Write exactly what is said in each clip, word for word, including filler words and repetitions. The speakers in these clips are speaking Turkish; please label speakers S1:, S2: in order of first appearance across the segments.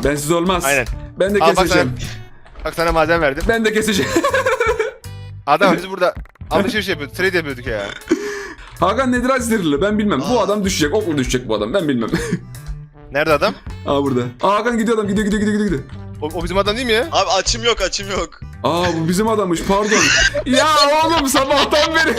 S1: Bensiz olmaz.
S2: Aynen.
S1: Ben de
S2: Al bak
S1: keseceğim.
S2: sana, bak sana malzeme verdim.
S1: Ben de keseceğim.
S2: Adam biz burada alışveriş yapıyorduk, trade yapıyorduk ya.
S1: Hakan nedir Azirli? Ben bilmem. Bu
S3: Aa.
S1: adam düşecek. Okla düşecek bu adam. Ben bilmem.
S2: Nerede adam?
S1: Aa burada. Aa Hakan gidiyor adam. Gidiyor gidiyor gidiyor gidiyor.
S2: O, o bizim adam değil mi ya?
S3: Abi açım yok açım yok.
S1: Aa bu bizim adammış. Pardon. Ya oğlum sabahtan beri.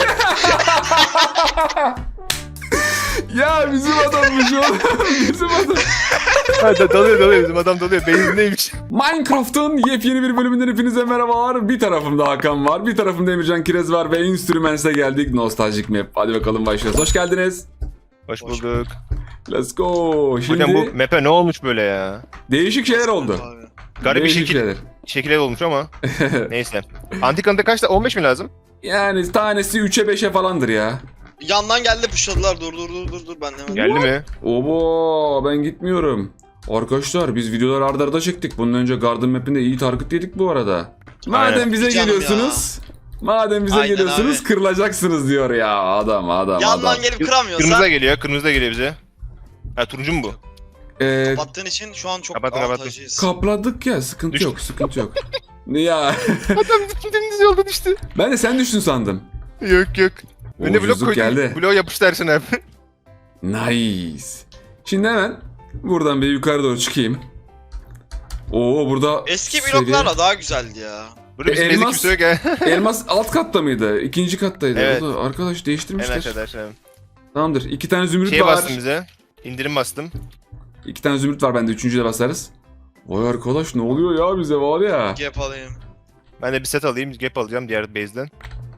S1: Ya bizim adammış oğlum. Bizim adam.
S2: Ha, da- dalıyor dalıyor bizim adam dalıyor. Benzindeymiş.
S1: Minecraft'ın yepyeni bir bölümünden hepinize merhabalar. Bir tarafımda Hakan var, bir tarafımda Emircan Kirez var ve Instruments'e geldik. Nostaljik map. Hadi bakalım başlıyoruz. Hoş geldiniz.
S2: Hoş bulduk.
S1: Let's go. Şimdi
S2: Hocam bu map'e ne olmuş böyle ya?
S1: değişik şeyler oldu.
S3: Abi.
S2: Garip bir
S1: Değişik
S2: şekil,
S1: şeyler.
S2: şekilde olmuş ama. Neyse. Antik anıta kaçta? on beş mi lazım?
S1: Yani tanesi üçe beşe falandır ya.
S3: Yandan geldi pushladılar dur dur dur dur dur ben hemen.
S2: Geldi mi?
S1: Obo ben gitmiyorum. Arkadaşlar biz videoları arda arda çektik. Bundan önce Garden Map'inde iyi target yedik bu arada. Madem
S2: Aynen.
S1: bize
S3: Canım
S1: geliyorsunuz. Madem bize
S3: Aynen
S1: geliyorsunuz
S3: abi.
S1: kırılacaksınız diyor ya adam adam
S3: Yandan
S1: adam.
S3: gelip kıramıyorsa
S2: Kırmızı da geliyor, kırmızı da geliyor bize. Ha turuncu mu bu?
S1: Ee,
S3: kapattığın için şu an çok
S2: Kapatın, kapatın.
S3: avantajlıyız.
S1: kapladık ya sıkıntı
S2: Düştü.
S1: yok sıkıntı yok. Ya
S2: Adam dümdüz yolda düştü.
S1: ben de sen düştün sandım.
S2: Yok yok. Önüne blok
S1: Ucuzluk
S2: koydum.
S1: geldi.
S2: Bloğa yapıştı Ersin abi.
S1: Nice. Şimdi hemen buradan bir yukarı doğru çıkayım. Oo burada
S3: Eski
S1: seviye-
S3: bloklarla daha güzeldi ya.
S2: Burada bizim
S1: E,
S2: ezik
S1: elmas-
S2: kimse yok ya.
S1: Elmas alt katta mıydı? İkinci kattaydı.
S2: Evet.
S1: O da arkadaş
S2: En
S1: değiştirmişler.
S2: aşağıda aşağıda.
S1: Tamamdır. İki tane zümrüt
S2: Şeye
S1: var.
S2: bastım bize. İndirim bastım.
S1: İki tane zümrüt var bende. Üçüncüye de basarız. Vay arkadaş ne oluyor ya bize var ya.
S3: Gap alayım.
S2: Ben de bir set alayım. Gap alacağım diğer base'den.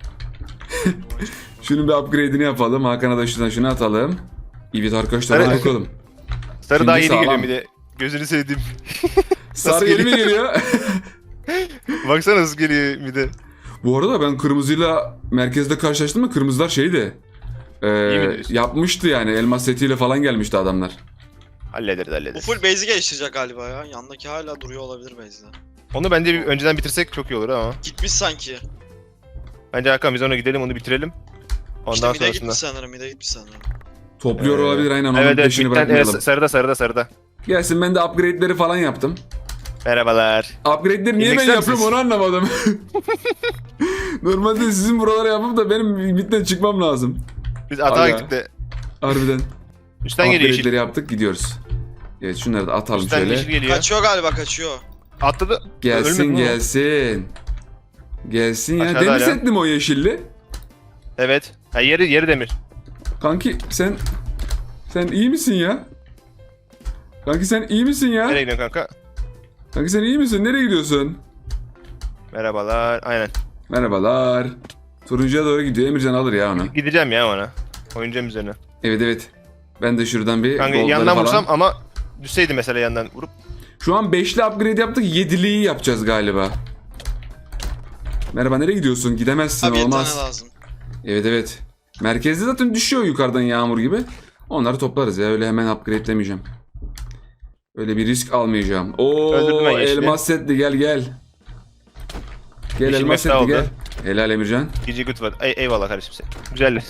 S1: Şunun bir upgrade'ini yapalım. Hakan'a da şuradan şunu atalım. Evet arkadaşlar hadi
S2: Evet.
S1: bakalım.
S2: Sarı
S1: Şimdi
S2: daha yeni
S1: sağlam.
S2: geliyor bir de. Gözünü sevdiğim.
S1: Sarı yeni mi geliyor?
S2: Baksana nasıl geliyor bir de.
S1: Bu arada ben kırmızıyla merkezde karşılaştım mı kırmızılar şeydi. Ee,
S2: İyi mi diyorsun?
S1: yapmıştı yani elmas setiyle falan gelmişti adamlar.
S2: Hallederiz
S3: Bu
S2: hallederiz.
S3: full base'i geliştirecek galiba ya. Yandaki hala duruyor olabilir base'de.
S2: Onu bence bir önceden bitirsek çok iyi olur ama.
S3: Gitmiş sanki.
S2: Bence Hakan biz ona gidelim onu bitirelim. Ondan
S3: İşte mid'e
S2: sonrasında.
S3: gitmiş sanırım, mid'e gitmiş sanırım.
S1: Topluyor
S2: Ee,
S1: olabilir aynen onun
S2: Evet evet
S1: peşini
S2: bitten,
S1: bırakmayalım.
S2: evet, sarıda sarıda sarıda.
S1: Gelsin ben de upgrade'leri falan yaptım.
S2: Merhabalar.
S1: Upgrade'leri niye ben
S2: İndeksler
S1: yapıyorum
S2: misiniz?
S1: onu anlamadım. Normalde sizin buralara yapıp da benim midden çıkmam lazım.
S2: Biz atağa
S1: Aga.
S2: gittik de.
S1: Harbiden.
S2: Üstten geliyor
S1: Upgrade'leri
S2: yeşil.
S1: yaptık gidiyoruz. Evet şunları da atalım
S2: Üstten
S1: şöyle.
S2: yeşil geliyor.
S3: Kaçıyor galiba kaçıyor.
S2: Atladı.
S1: Gelsin
S2: Ölmedi mi o?
S1: gelsin. Gelsin ya.
S2: Aşağıda
S1: Demir
S2: hala.
S1: setli mi o yeşilli?
S2: Evet. Ha yeri yeri demir.
S1: Kanki sen sen iyi misin ya? Kanki sen iyi misin ya?
S2: Nereye gidiyorsun kanka?
S1: Kanki sen iyi misin? Nereye gidiyorsun?
S2: Merhabalar. Aynen.
S1: Merhabalar. Turuncuya doğru gidiyor. Emircan alır ya onu.
S2: Gideceğim ya ona. Oynayacağım üzerine.
S1: Evet evet. Ben de şuradan bir
S2: Kanka
S1: goldları
S2: yandan
S1: falan.
S2: vursam ama düşseydi mesela yandan vurup.
S1: Şu an beşli upgrade yaptık. yediliyi yapacağız galiba. Merhaba nereye gidiyorsun? Gidemezsin
S3: Abi yedi tane
S1: olmaz.
S3: lazım.
S1: Evet evet. Merkezde zaten düşüyor yukarıdan yağmur gibi. Onları toplarız ya. Öyle hemen upgrade'lemeyeceğim. Öyle bir risk almayacağım. Oo
S2: Öldürdüm ben yeşili.
S1: elmas setli gel gel. Gel
S2: Yeşil
S1: elmas
S2: mefta
S1: setli
S2: oldu.
S1: gel. Helal Emircan.
S2: Gece güt var. Ey, eyvallah kardeşim sen. Güzel.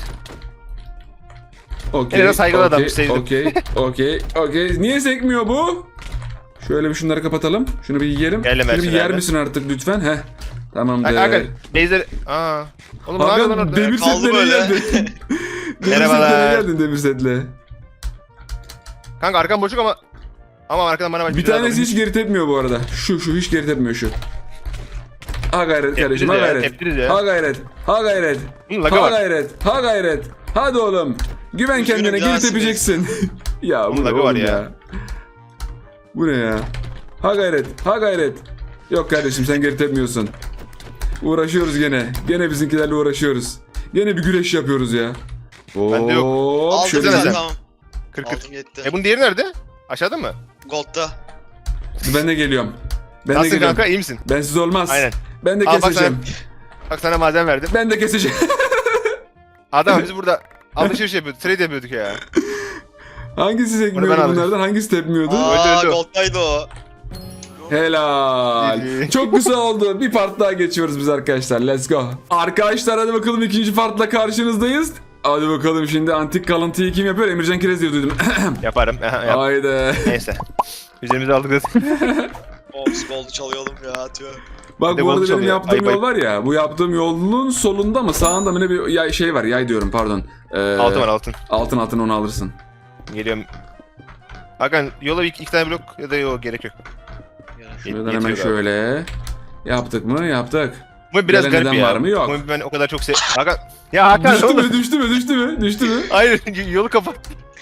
S1: Okey.
S2: Yine de saygılı
S1: okey,
S2: adammış, sevdim.
S1: Okey. Okey. Okey. Niye sekmiyor bu? Şöyle bir şunları kapatalım. Şunu bir yiyelim.
S2: Gel
S1: Şunu bir
S2: Emerson
S1: yer
S2: abi.
S1: misin artık lütfen? Heh. Tamamdır.
S2: Kanka base'leri... Aa. Oğlum ne yapıyorsun lan
S1: Hakan
S2: orada?
S1: demir
S3: Kaldı
S1: setle
S3: böyle.
S1: geldin. demir
S2: Merhabalar.
S1: setle geldin demir setle.
S2: Kanka arkam boşluk ama... Ama arkadan bana...
S1: Bir tanesi hiç geri tepmiyor bu arada. Şu şu hiç geri tepmiyor şu. Ha gayret kardeşim ha
S2: ya,
S1: gayret.
S2: tepkiriz ya.
S1: Ha gayret. Ha gayret.
S2: Hı, laga
S1: Ha
S2: var.
S1: gayret. Ha gayret. Hadi oğlum. Güven
S3: Üzgünüm,
S1: kendine
S3: bir
S1: geri
S3: daha
S1: tepeceksin. ya bu
S2: Bunun
S1: ne
S2: lagı var
S1: oğlum ya.
S2: ya.
S1: Bu ne ya? Ha gayret. Ha gayret. Yok kardeşim sen geri tepmiyorsun. Uğraşıyoruz gene. Gene bizimkilerle uğraşıyoruz. Gene bir güreş yapıyoruz ya.
S2: Bende yok.
S1: Hop,
S3: Aldım
S1: şöyle
S3: sen
S2: sen.
S3: tamam.
S2: Kır kır.
S3: Aldım gitti.
S2: E bunun diğeri nerede? Aşağıda mı?
S3: Gold'da.
S1: Ben de geliyorum. Ben de
S2: Nasılsın
S1: geliyorum.
S2: kanka iyi misin?
S1: Bensiz olmaz.
S2: Aynen.
S1: Ben de
S2: Al bak
S1: keseceğim.
S2: Bak sana malzeme verdim.
S1: Ben de keseceğim.
S2: Adam biz burada alışveriş yapıyorduk, trade yapıyorduk ya.
S1: Hangisi
S2: Bunu ben
S1: sekmiyordu
S2: alacağım.
S1: bunlardan? Hangisi tepmiyordu?
S3: Aa
S2: öldü, öldü.
S3: Gold'daydı o.
S1: Helal.
S2: İyi.
S1: Çok güzel oldu. Bir part daha geçiyoruz biz arkadaşlar. Let's go. Arkadaşlar hadi bakalım ikinci partla karşınızdayız. Hadi bakalım şimdi antik kalıntıyı kim yapıyor? Emircan Kirez diye duydum.
S2: Yaparım. Aha, yap.
S1: Haydi.
S2: Neyse. Üzerimize aldık zaten.
S3: Ops gold'u çalıyordum ya atıyor.
S1: Bak
S2: Bir de
S1: bu arada
S2: golcü
S1: benim
S2: oluyor.
S1: yaptığım
S2: Ayıp,
S1: yol var ya. Bu yaptığım yolun solunda mı sağında mı ne bir yay, şey var. Yay diyorum pardon. Ee,
S2: Altın var altın.
S1: Altın altın onu alırsın.
S2: Geliyorum. Hakan yola bir iki, iki tane blok ya da yok gerek yok.
S1: Şuradan
S2: Yetiyor
S1: hemen
S2: galiba.
S1: şöyle. Yaptık mı? Yaptık.
S2: Bu biraz
S1: Gelen
S2: garip
S1: neden
S2: ya.
S1: var mı? Yok.
S2: Bu ben o kadar çok se... Hakan. Ya Hakan
S1: Düştü
S2: oğlum.
S1: mü? Düştü mü? Düştü mü? Düştü mü?
S2: Hayır yolu kapat.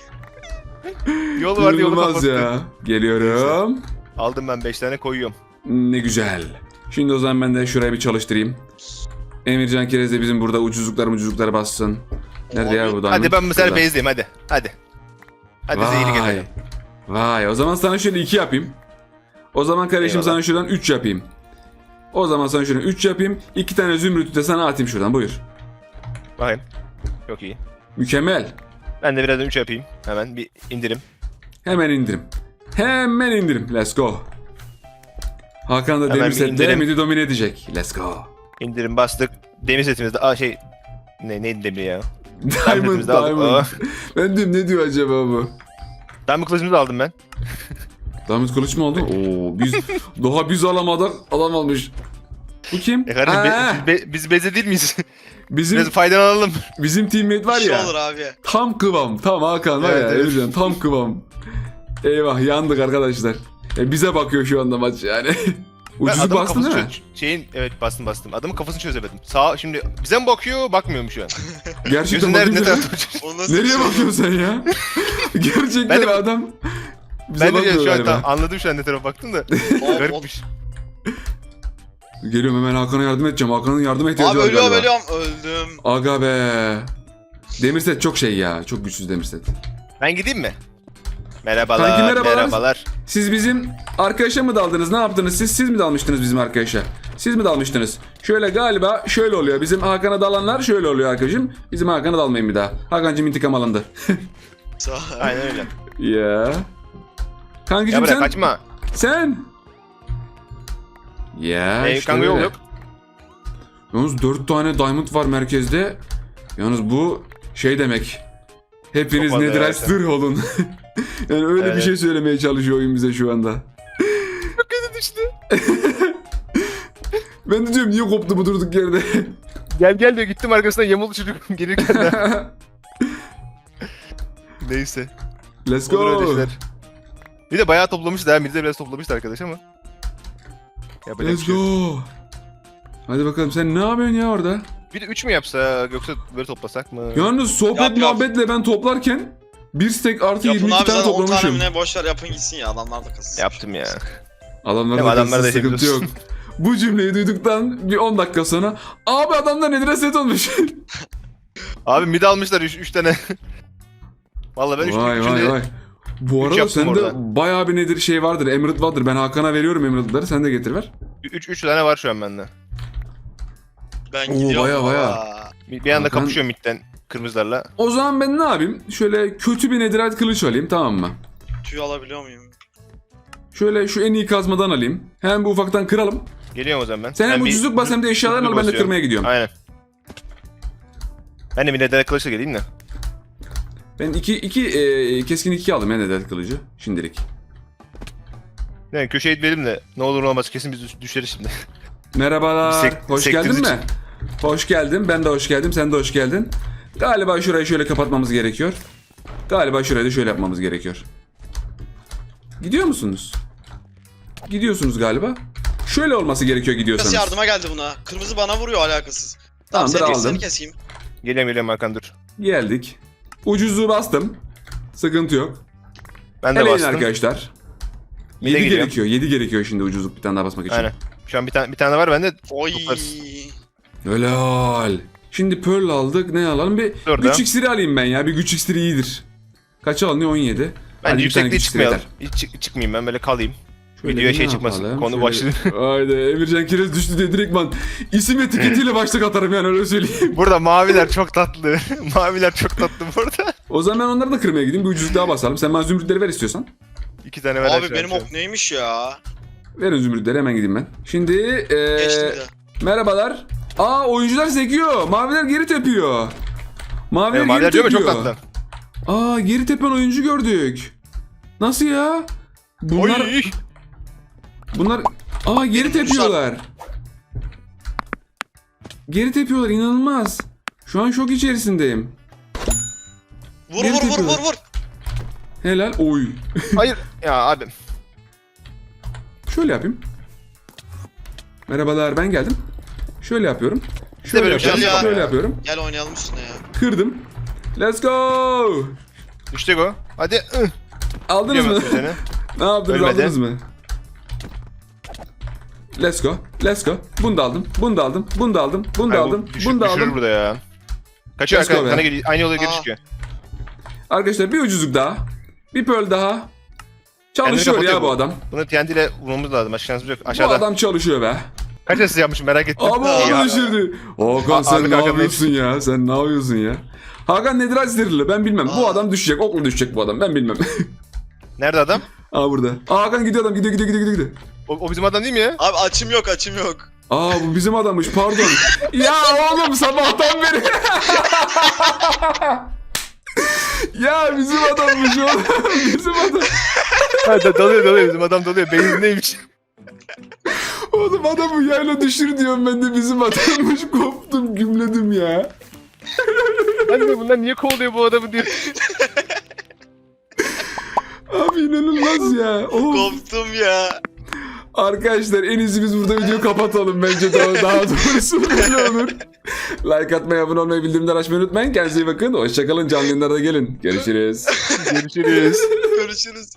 S2: Yol var yolu
S1: İnanılmaz
S2: kapattı.
S1: ya. Geliyorum.
S2: Aldım ben beş tane koyuyorum.
S1: Ne güzel. Şimdi o zaman ben de şurayı bir çalıştırayım. Emircan Kerez de bizim burada ucuzluklar ucuzluklar bassın. Nerede ya bu diamond?
S2: Hadi ben mesela
S1: Burada.
S2: base'deyim hadi. Hadi. Hadi zehri
S1: Vay.
S2: gelelim.
S1: Vay. O zaman sana şöyle iki yapayım. O zaman kardeşim
S2: Eyvallah.
S1: sana şuradan üç yapayım. O zaman sana şuradan üç yapayım. iki tane zümrütü de sana atayım şuradan. Buyur.
S2: Bakayım. Çok iyi.
S1: Mükemmel.
S2: Ben de birazdan üç yapayım. Hemen bir indirim.
S1: Hemen indirim. Hemen indirim. Let's go. Hakan da
S2: Hemen
S1: demir
S2: bir
S1: sette
S2: indirim.
S1: midi domine edecek. Let's go.
S2: İndirim bastık. Demir setimizde. Aa şey. Ne neydi demir ya?
S1: Diamond,
S2: setimizi aldık.
S1: diamond.
S2: Oh.
S1: Ben diyorum ne diyor acaba bu?
S2: Diamond kılıcımızı da aldım ben.
S1: Diamond kılıç mı oldu? Oo biz daha biz alamadık. Adam almış. Bu kim?
S2: E kardeşim
S1: Ha,
S2: be, biz, be, biz beze değil miyiz?
S1: bizim
S2: Biraz faydalanalım.
S1: bizim teammate var
S3: Bir şey
S1: ya.
S3: olur abi.
S1: Tam kıvam. Tam Hakan var
S2: Evet,
S1: ya.
S2: evet.
S1: Emircan, tam kıvam. Eyvah yandık arkadaşlar. E, bize bakıyor şu anda maç yani.
S2: Ben
S1: Ucuzluk
S2: adamın
S1: bastın değil mi?
S2: kafasını çö- Şeyin evet bastım bastım. Adamın kafasını çözemedim. Sağ şimdi bize mi bakıyor bakmıyor mu şu an?
S1: Gerçekten
S2: Gözün nerede ne
S1: bakınca-
S2: tarafa bakıyor?
S3: O nasıl bir
S1: Nereye
S3: şey
S1: bakıyorsun sen ya? Gerçekten
S2: Ben de-
S1: adam bize
S2: Ben de
S1: bakmıyor
S2: şu an
S1: galiba.
S2: tam anladım şu an ne tarafa baktım da.
S3: O- o-
S2: Garipmiş.
S1: Geliyorum hemen Hakan'a yardım edeceğim. Hakan'ın yardıma ihtiyacı
S3: Abi
S1: var
S3: ölüyorum
S1: galiba.
S3: ölüyorum öldüm.
S1: Aga be. Demirset çok şey ya. Çok güçsüz Demirset.
S2: Ben gideyim mi? Merhabalar,
S1: Kanki merhabalar.
S2: merhabalar.
S1: Siz bizim arkadaşa mı daldınız? Ne yaptınız siz? Siz mi dalmıştınız bizim arkadaşa? Siz mi dalmıştınız? Şöyle galiba şöyle oluyor. Bizim Hakan'a dalanlar şöyle oluyor arkadaşım. Bizim Hakan'a dalmayın bir daha. Hakan'cım intikam alındı.
S3: Sağ ol.
S2: Aynen öyle.
S1: Ya. Kankacım
S2: Ya bırak
S1: sen.
S2: kaçma.
S1: Sen. Ya
S2: Ee,
S1: işte
S2: kanka yol
S1: öyle.
S2: yok.
S1: Yalnız dört tane diamond var merkezde. Yalnız bu şey demek. Hepiniz
S2: Çok fazla
S1: Netherite
S2: evet.
S1: sır olun. Yani öyle bir
S2: Evet.
S1: şey söylemeye çalışıyor oyun bize şu anda.
S2: Çok kötü düştü.
S1: Ben de diyorum niye koptu bu durduk yerde.
S2: Gel gel diyor gittim arkasına yamuldu çocuk gelirken de. Neyse.
S1: Let's
S2: Olur öyle
S1: go.
S2: işler. Bir de bayağı toplamıştı ha. Bir de biraz toplamıştı arkadaş ama. Yapacak bir
S1: Let's
S2: şey yok.
S1: go. Hadi bakalım sen ne yapıyorsun ya orada?
S2: Bir de üç mü yapsa yoksa böyle toplasak mı?
S1: Yalnız sohbet
S3: Yap, yap.
S1: muhabbetle ben toplarken bir stack artı
S3: Yapın
S1: yirmi iki
S3: abi
S1: tane
S3: zaten on tane
S1: toplamışım.
S3: mi ne boşver yapın gitsin ya adamlar da kasın.
S2: Yaptım ya.
S1: Adamlar
S2: Değil mi?
S1: da
S2: Adamlar da
S1: sıkıntı yok.
S2: yapıyorsun.
S1: Bu cümleyi duyduktan bir on dakika sonra abi adamlar nedir set olmuş.
S2: Abi mid almışlar üç tane. Vallahi ben üç
S1: Vay
S2: üçünü
S1: vay
S2: de-
S1: vay. Bu
S2: üç
S1: arada
S2: yaptım
S1: sende
S2: orada.
S1: bayağı bir nedir şey vardır. Emerald vardır. Ben Hakan'a veriyorum Emerald'ları. Sen de getir ver.
S2: üç üç tane var şu an bende.
S3: Ben
S1: Oo,
S3: gidiyorum.
S1: baya, baya.
S3: Aa.
S2: Bir, bir anda
S1: Hakan-
S2: kapışıyorum midden kırmızılarla.
S1: O zaman ben ne yapayım? Şöyle kötü bir netherite kılıç alayım, tamam mı?
S3: Tüy alabiliyor muyum?
S1: Şöyle şu en iyi kazmadan alayım. Hemen bir ufaktan kıralım.
S2: Geliyorum o zaman ben.
S1: Sen
S2: Ben
S1: hem
S2: bir
S1: ucuzluk bas hem de eşyalarını al, ben de
S2: basıyorum.
S1: kırmaya gidiyorum.
S2: Aynen. Ben de bir nedene kılıçla geleyim de.
S1: Ben iki, iki e, keskin iki aldım ya netherite kılıcı. Şimdilik.
S2: Yani köşeye itmeyelim de ne olur ne olmaz kesin biz düş- düşeriz şimdi.
S1: Merhabalar.
S2: Sek-
S1: hoş
S2: sektiniz
S1: geldin
S2: için.
S1: mi? Hoş geldin. Ben de hoş geldim. Sen de hoş geldin. Galiba şurayı şöyle kapatmamız gerekiyor. Galiba şurayı da şöyle yapmamız gerekiyor. Gidiyor musunuz? Gidiyorsunuz galiba. Şöyle olması gerekiyor gidiyorsanız.
S3: Nasıl yardıma geldi buna? Kırmızı bana vuruyor alakasız. Tamam
S1: Tamamdır,
S3: seni,
S1: aldım.
S3: seni keseyim.
S2: Geliyorum geliyorum Hakan dur.
S1: Geldik. Ucuzluğu bastım. Sıkıntı yok.
S2: Ben de
S1: Eleyin
S2: bastım.
S1: arkadaşlar.
S2: Bir de
S1: yedi
S2: geliyor.
S1: gerekiyor. yedi gerekiyor şimdi ucuzluk bir tane daha basmak için.
S2: Aynen. Şu an bir tane bir tane var bende.
S3: Oy.
S2: Toplarız.
S1: Helal. Şimdi pearl aldık. Ne alalım? Bir
S2: Dur da.
S1: güç iksiri alayım ben ya. Bir güç iksiri iyidir. Kaç alınıyor? on yedi.
S2: Bence
S1: Hadi bir tane
S2: yüksekliğe
S1: güç iksiri
S2: çıkmayalım.
S1: yeter.
S2: Hiç çık- çıkmayayım ben böyle kalayım.
S1: Şöyle
S2: Videoya
S1: bir
S2: şey
S1: ne
S2: çıkmasın,
S1: yapalım?
S2: konu başlığı.
S1: Haydi Emircan Kirez düştü diye direktman isim etiketiyle başlık atarım yani öyle söyleyeyim.
S2: Burada maviler çok tatlı. Maviler çok tatlı burada.
S1: O zaman ben onları da kırmaya gideyim. Bir ucuzluk daha basalım. Sen bana zümrütleri ver istiyorsan.
S2: İki tane ver.
S3: Abi benim ok neymiş ya?
S1: Verin zümrütleri hemen gideyim ben. Şimdi ee,
S3: Geçtim de.
S1: merhabalar. Aa oyuncular sekiyor. Maviler geri tepiyor. Maviler,
S2: Maviler
S1: geri
S2: diyor mu
S1: tepiyor.
S2: çok tatlı.
S1: Aa geri tepen oyuncu gördük. Nasıl ya? Bunlar
S2: Oy.
S1: bunlar aa geri
S3: Benim
S1: tepiyorlar. Geri tepiyorlar, inanılmaz. Şu an şok içerisindeyim.
S3: Vur
S1: Geri
S3: vur vur
S1: tepiyorlar.
S3: vur vur.
S1: Helal. Oy.
S2: Hayır. Ya abi.
S1: Şöyle yapayım. Merhabalar, ben geldim. Şöyle yapıyorum. Şöyle
S2: böyle bir şey
S1: yapıyorum.
S3: ya.
S1: Şöyle yapıyorum.
S3: Gel oynayalım üstüne ya.
S1: Kırdım. Let's go.
S2: Düştü o. Hadi. Ih.
S1: Aldınız mı?
S2: Biliyorum seni.
S1: Ne yaptınız?
S2: Ölmedi.
S1: Aldınız mı? Let's go. Let's go. Bunu da aldım. Bunu da aldım. Bunu da aldım. Bunu da
S2: Ay, bu
S1: aldım.
S2: düşür-
S1: Bunu da
S2: düşürür
S1: aldım.
S2: burada ya. Kaçıyor
S1: Let's go
S2: arkadan.
S1: be.
S2: Sana geliyor. Aynı yola geri
S3: Aa.
S2: çıkıyor.
S1: Arkadaşlar bir ucuzluk daha. Bir pearl daha. Çalışıyor
S2: Kendini
S1: ya
S2: kapatıyor
S1: bu
S2: bu.
S1: adam.
S2: Bunu T N T ile vurmamız lazım. Başka şansımız yok.
S1: Bu
S2: Aşağıda.
S1: adam çalışıyor be.
S2: Kaç asist yapmışım merak ettim.
S1: Ama
S2: İyi
S1: onu
S2: abi.
S1: düşürdü. Hakan
S2: A-
S1: sen
S2: abi
S1: ne
S2: Hakan
S1: yapıyorsun ya? Sen ne yapıyorsun ya? Hakan nedir azdirli? Ben bilmem. Bu
S3: Aa.
S1: adam düşecek. Okla düşecek bu adam. Ben bilmem.
S2: Nerede adam?
S1: Aa burada. Aa, Hakan gidiyor adam. Gidiyor gidiyor gidiyor gidiyor.
S2: O, o bizim adam değil mi ya?
S3: Abi açım yok açım yok.
S1: Aa bu bizim adammış, pardon. Ya oğlum sabahtan beri. Ya bizim adammış oğlum. Bizim adam.
S2: Ha, da- dalıyor dalıyor bizim adam dalıyor. Beyindeymiş.
S1: Oğlum adamı yayla düşür diyorum, ben de bizim adammış. Koptum, gümledim ya.
S2: Hani de bunlar niye kovalıyor bu adamı diyor.
S1: Abi inanılmaz ya. Of.
S3: Koptum ya.
S1: Arkadaşlar en iyisi biz burada videoyu kapatalım bence, daha, daha doğrusu böyle olur. Like atmayı, abone olmayı, bildirimleri açmayı unutmayın. Kendinize iyi bakın. Hoşçakalın, canlı yayınlarda gelin. Görüşürüz.
S2: Görüşürüz.
S3: Görüşürüz.